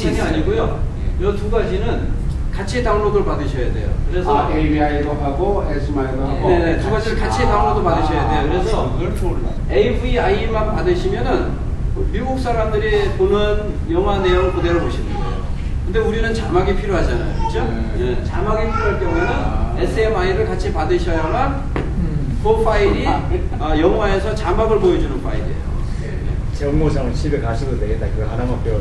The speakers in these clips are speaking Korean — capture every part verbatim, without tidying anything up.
영상이 아니고요. 이 두 가지는 같이 다운로드를 받으셔야 돼요. 그래서 아, 에이비아이도 하고 에스엠아이도 하고 네, 네, 두 가지를 같이 다운로드 받으셔야 돼요. 그래서 에이브이아이만 받으시면은 미국 사람들이 보는 영화 내용 그대로 보시는 거예요. 근데 우리는 자막이 필요하잖아요. 그죠? 네. 네, 자막이 필요할 경우에는 아. 에스엠아이를 같이 받으셔야만 그 파일이 어, 영화에서 자막을 보여주는 파일이에요. 정모상 집에 가셔도 되겠다. 그거 하나만 배워라.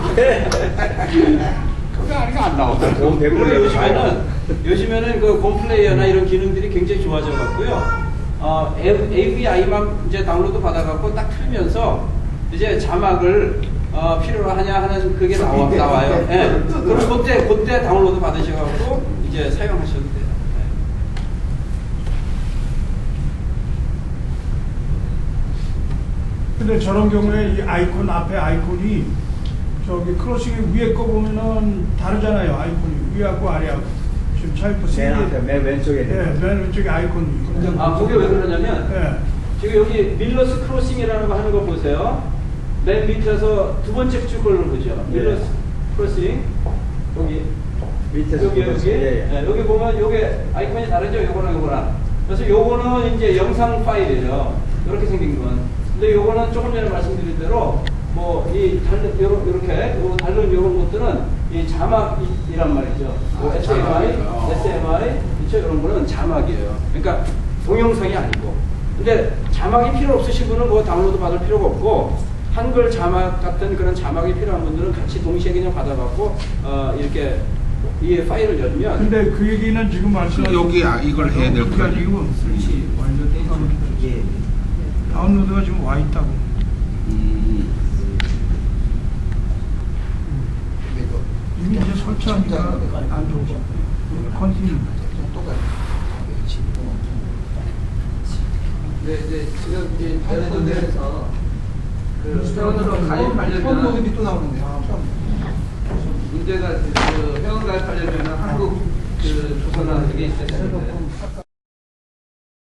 그게 아니가 안 나오다. 돈 백 불 그리고 내고 요즘에는 요즘에는 그 곰플레이어나 이런 기능들이 굉장히 좋아져 갖고요. 어, 에이브이아이만 이제 다운로드 받아갖고 딱 틀면서 이제 자막을 어, 필요로 하냐 하는 그게 나와, 나와요. 예. 그럼 그때 그때 다운로드 받으셔갖고 이제 사용하셔도 돼요. 근데 저런 경우에 이 아이콘 앞에 아이콘이 저기 크로싱 위에 거 보면은 다르잖아요. 아이콘이 위하고 아래하고 지금 차이프 맨 앞에 맨 왼쪽에 예, 맨 왼쪽에 아이콘이. 아, 그게 왜 그러냐면 예. 지금 여기 밀러스 크로싱이라는 거 하는 거 보세요. 맨 밑에서 두 번째 줄 걸로 보죠. 밀러스 크로싱 여기 밑에서 여기 여기 예, 예. 네, 여기 보면 요게 아이콘이 다르죠. 요거랑 요거랑. 그래서 요거는 이제 영상 파일이에요. 이렇게 생긴 건. 근데 요거는 조금 전에 말씀드린 대로 뭐 이 다른 요렇게 요 다른 요런 것들은 이 자막이란 말이죠. 뭐 아, 에스엠아이, 자막이요. 에스엠아이 이쪽 이런 거는 자막이에요. 그러니까 동영상이 아니고. 근데 자막이 필요 없으신 분은 그거 다운로드 받을 필요가 없고 한글 자막 같은 그런 자막이 필요한 분들은 같이 동시에 그냥 받아갖고 어 이렇게 이 파일을 열면. 근데 그 얘기는 지금 말씀하신 여기 아, 이걸 해야 될 그게 거예요. 아니고 설치 완전 다운로드. 다운로드가 지금 와 있다고. 음. 이미 이제 설치하니까 안 좋고. 컨티뉴. 네, 이제 지금 이제 예를 들어서 그 회원으로 가입하려면 또 나오는데요. 문제가 그 회원 가입하려면 한국 그 조선화 되게 있어야 되는데